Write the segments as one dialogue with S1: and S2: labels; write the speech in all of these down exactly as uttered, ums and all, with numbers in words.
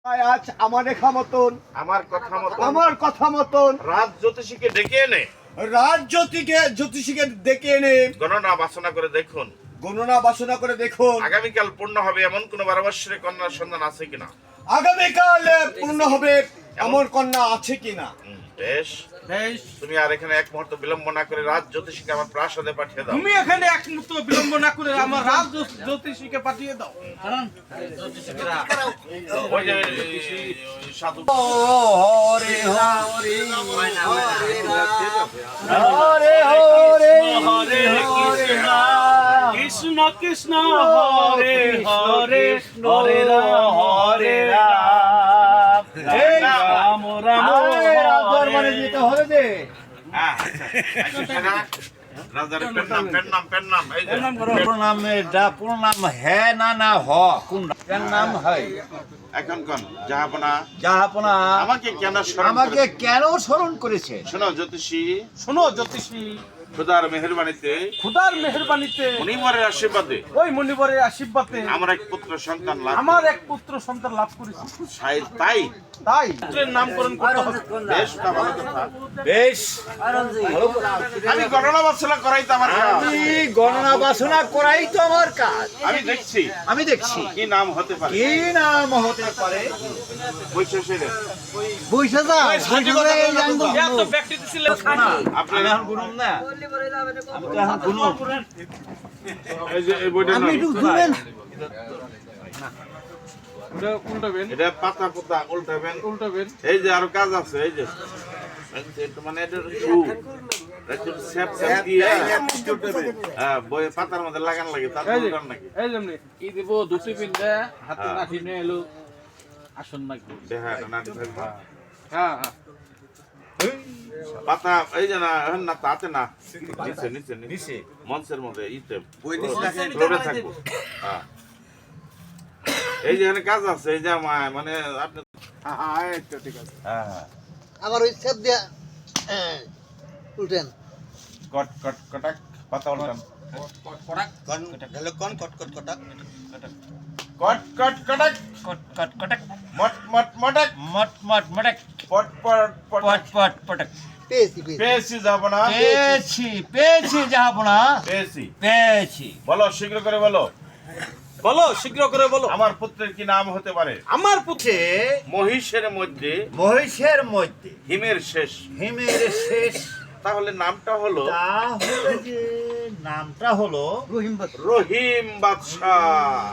S1: আজ আমার লেখা মতন
S2: আমার কথা মতো
S1: আমার কথা মতন
S2: রাজ জ্যোতিষীকে ডেকে এনে
S1: রাজ জ্যোতিকে জ্যোতিষীকে ডেকে এনে
S2: গণনা বাসনা করে দেখুন
S1: গণনা বাসনা করে দেখুন
S2: আগামীকাল পূর্ণ হবে এমন কোন বারো বৎসরের কন্যার সন্ধান আছে কিনা।
S1: আগামীকাল পূর্ণ হবে এমন কন্যা আছে কিনা।
S2: হুম, বেশ
S3: বেশ,
S2: তুমি আর এখানে এক মুহূর্ত বিলম্ব না করে রাজ জ্যোতিষীকে আমার প্রাসাদে পাঠিয়ে দাও।
S3: তুমি এখানে এক মুহূর্ত বিলম্ব না করে আমার রাজ জ্যোতিষ- জ্যোতিষীকে পাঠিয়ে দাও।
S2: ওই যে ওই সাধু
S1: হরে হরে হরে হরে হরে
S3: কৃষ্ণ কৃষ্ণ হরে হরে হরে রাম হরে রাম রাম রাম
S1: দরবারে যেতে হবে যে
S2: হ্যাঁ, আচ্ছা, সেটা রাজার পেন নাম পেন নাম পেন নাম এই যে
S4: প্রণাম এটা প্রণাম হ্যাঁ না না হ কোন নাম হয়
S2: এখন কোন যাহাপনা
S4: যাহাপনা
S2: আমাকে কেন স্মরণ
S4: আমাকে
S2: করেছে?
S4: কেন স্মরণ করেছে
S2: শোনো জ্যোতিষী
S3: শোনো জ্যোতিষী,
S2: খোদার মেহেরবানিতে
S3: খুদার মেহেরবানিতে
S2: মণিবরের আশীর্বাদে
S3: ওই মণিবরের আশীর্বাদে
S2: আমার এক পুত্র সন্তান লাভ
S3: আমার এক পুত্র সন্তান লাভ করেছি।
S2: সাই- তাই
S3: তাই পুত্রের নামকরণ করতে হবে।
S2: বেশ তা ভালো কথা।
S4: বেশ
S2: আমি গণনা বাসনা করাই তো আমার কাজ।
S4: আমি গণনা বাসনা করাই তো আমার কাজ
S2: আমি দেখছি
S4: আমি দেখছি
S2: কি নাম হতে পারে।
S4: কি নাম হতে পারে
S2: বৈশেষের
S4: বুঝছে যা
S3: এত ব্যক্তি ছিলেন খানা।
S2: আপনার
S4: আমি এখন গুনুম না আমি তো এখন গুনুম
S2: এই যে এই বইটা নাম।
S3: উল্টাবেন
S2: এটা পাতা পাতা উল্টাবেন
S3: উল্টাবেন
S2: এই যে আরো কাজ আছে এই যে একটু মানে এটা শু একটু স্যাপ স্যাপ দিয়ে হ্যাঁ বই পাতার মধ্যে লাগান লাগে তার
S3: এই যে
S2: উল্টান নাকি
S3: এই যেমনি
S5: ই দিব দুটি পিন্ধে হাতে
S2: হ্যাঁ।
S5: লাঠি নিয়ে এলো আসন নাকি
S2: দেখা এটা না দিতে
S3: হ্যাঁ হ্যাঁ
S2: পাতা এই যে না এখন না তাতে না নিচে নিচে নিচে মঞ্চের মধ্যে ইতে ফ্লোরে থাকবো হ্যাঁ এই যে এখানে কাজ আছে এই যে আমার মানে আপনি হ্যাঁ হ্যাঁ
S6: আবার ওই সেপ দিয়া হ্যাঁ, উল্টেন
S2: কট কট কটাক পাতা উল্টান
S6: কন কট কট কটা
S2: কট কট কটাক
S4: কট কট কটক
S2: মট মট মটাক
S4: মট মট মটক
S2: পট পট
S4: পট
S2: পট
S4: পট পটক
S6: পেয়েছি পেয়েছি
S2: পেয়েছি যাব না
S4: পেয়েছি পেয়েছি যাহাপনা
S2: পেয়েছি
S4: পেয়েছি
S2: বলো শীঘ্র করে বলো
S3: বলো শীঘ্র করে বলো
S2: আমার পুত্রের কি নাম হতে পারে।
S3: আমার পুত্র
S4: সে
S2: মহিষের মধ্যে
S4: মহিষের মধ্যে
S2: হিমের শেষ
S4: হিমের শেষ
S2: তাহলে নামটা হলো
S4: তাহলে যে নামটা হলো
S6: রহিম বাস
S2: রহিম বাদশাহ।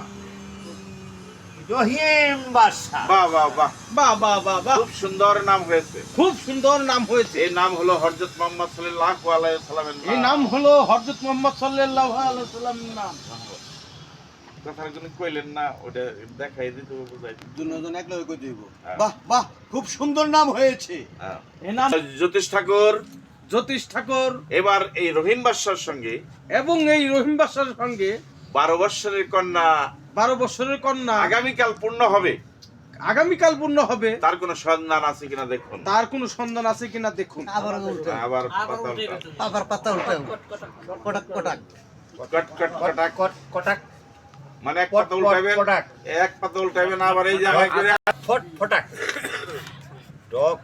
S4: রহিম বাদশা
S2: বাহ বাহ বাহ
S3: বাহ বাহ বাহ বাহ,
S2: খুব সুন্দর নাম হয়েছে।
S3: খুব সুন্দর নাম হয়েছে।
S2: এই নাম হলো হযরত মুহাম্মদ সাল্লাল্লাহু আলাইহি সাল্লামের
S3: এই নাম হলো হযরত মুহাম্মদ সাল্লাল্লাহু আলাইহি ওয়াসাল্লামের নাম।
S2: কথার জন্য কইলেন না ওটা দেখাই দিতে বুঝাই
S6: দুজন এক লগে কই দিব
S1: বাহ বাহ খুব সুন্দর নাম হয়েছে।
S2: হ্যাঁ
S3: এই নাম
S2: জ্যোতিষ ঠাকুর
S3: জ্যোতিষ ঠাকুর
S2: এবার এই রহিম বাদশার সঙ্গে
S3: এবং এই রহিম বাদশার সঙ্গে
S2: বারো বৎসরের কন্যা
S3: বারো বছরের কন্যা
S2: আগামীকাল পূর্ণ হবে
S3: আগামীকাল পূর্ণ হবে।
S2: তার কোনো সন্ধান আছে কিনা দেখুন।
S3: তার কোনো সন্ধান আছে কিনা দেখুন।
S6: আবার উল্টেন
S2: আবার পাতা উল্টা।
S6: আবার পাতা উল্টেন কটাক কটাক
S2: কট কট কটাক
S4: কট কটাক
S2: মানে এক
S4: পট
S2: পাতা উল্টাবেন
S4: পটাক
S2: এক পাতা উল্টাবেন আবার এই জায়গায় করে
S4: ফট ফটাক ডক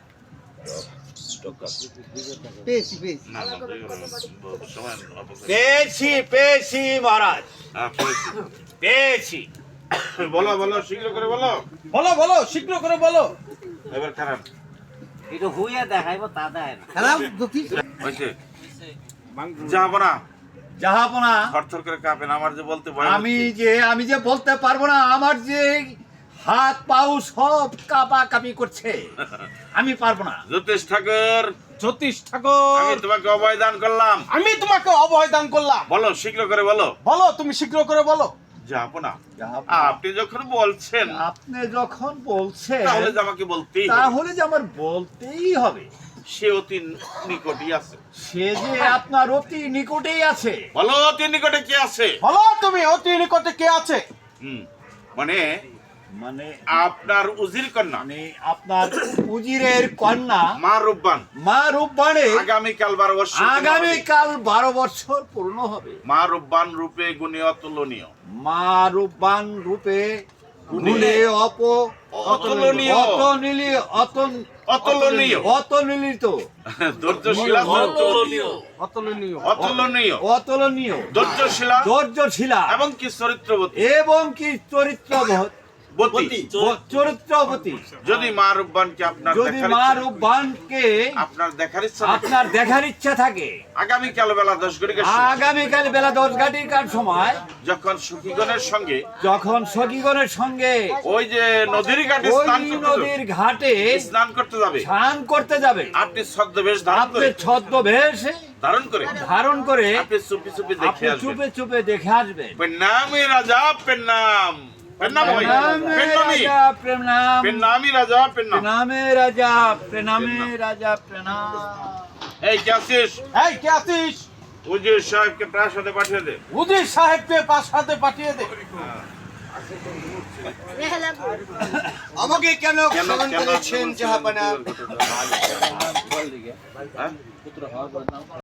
S6: পেয়েছি পেয়েছি
S2: না না সময় অপচয়।
S4: পেয়েছি পেয়েছি মহারাজ
S2: হ্যাঁ, পেয়েছি।
S4: পেয়েছি
S2: বলো বলো শীঘ্র করে বলো
S3: বলো বলো শীঘ্র করে বলো।
S2: এবার খারাপ
S5: এটা হুইয়া দেখাইব তা দেয় না
S6: খারাপ জ্যোতিষ
S2: হয়েছে যাবো না
S4: যাহাপনা
S2: থরথর করে কাঁপেন আমার যে বলতে ভয়
S4: আমি
S2: হচ্ছে।
S4: যে আমি যে বলতে পারবো না আমার যে হাত পাও সব কাপা কাপি করছে আমি পারবো না
S2: জ্যোতিষ ঠাকুর
S3: জ্যোতিষ ঠাকুর
S2: আমি তোমাকে অভয় দান করলাম
S3: আমি তোমাকে অভয় দান করলাম।
S2: বলো শীঘ্র করে বলো
S3: বলো তুমি শীঘ্র করে বলো।
S2: যাবো না
S4: যাহাপনা,
S2: আপনি যখন বলছেন
S4: আপনি যখন বলছেন
S2: তাহলে যে আমাকে বলতেই হবে।
S4: তাহলে যে আমার বলতেই হবে
S2: সে অতি নিকটই আছে।
S4: সে যে আপনার অতি নিকটেই আছে
S2: বলো অতি নিকটে কি আছে।
S3: বলো তুমি অতি নিকটে কে আছে।
S2: হুম মানে
S4: মানে
S2: আপনার উজির কন্যা
S4: মানে আপনার উজিরের কন্যা
S2: মা রূপবান
S4: মা রূপবাণে
S2: আগামীকাল বারো বছর
S4: আগামীকাল বারো বছর পূর্ণ হবে।
S2: মা রূপবান রূপে গুণে অতুলনীয়।
S4: মা রূপবান রূপে গুণে অপ
S2: অতুলনীয়
S4: অতনীয় অতন
S2: অতুলনীয়
S4: অতনীলিত
S2: ধৈর্যশীলা
S3: অতুলনীয়
S2: অতুলনীয়
S4: অতুলনীয়
S2: ধৈর্যশীলা
S4: ধৈর্যশীলা
S2: এবং কি চরিত্রবতী
S4: এবং কি চরিত্রবতী
S2: বতী
S4: চরিত্রবতী
S2: যদি মা রূপবানকে আপনার
S4: যদি
S2: দেখার
S4: মা
S2: ইচ্ছা-
S4: রূপবানকে
S2: আপনার দেখার ইচ্ছা থাকে,
S4: আপনার দেখার ইচ্ছা থাকে
S2: আগামীকাল বেলা দশ ঘটিকার সময়
S4: আগামীকাল বেলা দশ ঘটিকার সময়
S2: যখন সখীগণের সঙ্গে
S4: যখন সখীগণের সঙ্গে
S2: ওই যে নদীর ঘাটে
S4: ওই
S2: স্নান করতে
S4: নদীর
S2: যাবে,
S4: ঘাটে
S2: স্নান করতে যাবে,
S4: স্নান করতে যাবে
S2: আপনি ছদ্মবেশ ধারণ
S4: আপনি
S2: করে
S4: ছদ্মবেশ
S2: ধারণ করে
S4: ধারণ করে
S2: আপনি চুপি চুপি দেখে
S4: আপনি
S2: আসবেন।
S4: চুপে চুপে দেখে আসবেন
S2: পেন্নামি রাজা পেন্নাম পেন্নাম ভাই
S4: প্রণামে
S2: পেন্নামি
S4: রাজা প্রণাম
S2: পেন্নামি রাজা পেন্নাম
S4: প্রণামে রাজা প্রণামে রাজা প্রণাম
S2: এই কে আছিস
S3: এই কে আছিস
S2: উজির সাহেবকে প্রাসাদে পাঠিয়ে দে
S3: উজির সাহেবকে প্রাসাদে পাঠিয়ে দে
S1: আমাকে কেন
S2: কেন
S1: স্মরণ
S2: কেন
S1: করেছেন জাহাপানা?
S2: হ্যাঁ?
S5: পুত্র হওয়ার পর নাম